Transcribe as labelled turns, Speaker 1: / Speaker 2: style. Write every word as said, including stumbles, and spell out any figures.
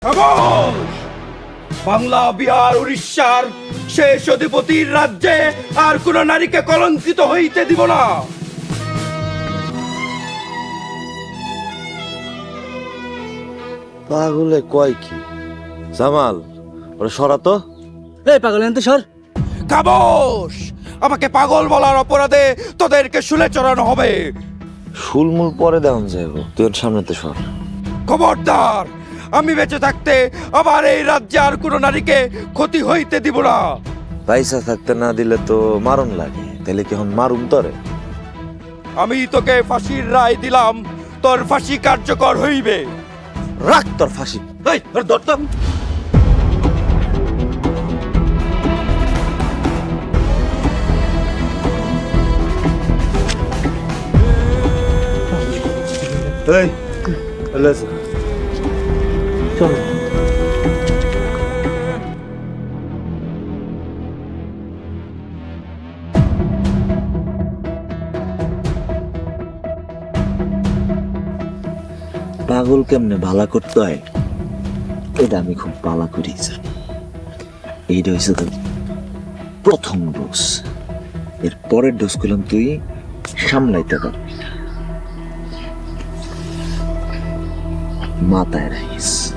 Speaker 1: খামোশ! বাংলা, বিহার, উড়িষ্যার শেষ অধিপতির রাজ্যে আর কোন নারীকে কলঙ্কিত হইতে দিব না।
Speaker 2: পাগলে কয় কি? জামাল, ওরা সরাতো।
Speaker 3: এই পাগল এনতে সর।
Speaker 1: খামোশ! আমাকে পাগল বলার অপরাধে তোদেরকে শুলে চড়ানো হবে।
Speaker 2: শুলমুল পরে দেওয়ান যাইব, তুই ওর সামনেতে সর।
Speaker 1: খবরদার, আমি বেঁচে থাকতে আবার এই রাজ্যে আর কোন নারীকে ক্ষতি হইতে দিব না।
Speaker 2: পয়সা থাকতে না দিলে তো মারণ লাগে, তাহলে কি এখন মারুম তরে?
Speaker 1: আমি তোকে ফাঁসির রায় দিলাম, তোর ফাঁসি কার্যকর হইবে।
Speaker 2: রাখ তোর ফাঁসি।
Speaker 1: এই, ধর, ধরতাম।
Speaker 2: এই, এলে যা।
Speaker 3: চলো।
Speaker 2: পাগল কেমনে ভালা করতে হয় এটা আমি খুব ভালো করেই জানি। এইটা হয়েছে তোর প্রথম ডোজ। এর পরের ডোজ করলাম তুই সামলাইতে পারবি না। মাথায় রাখিস।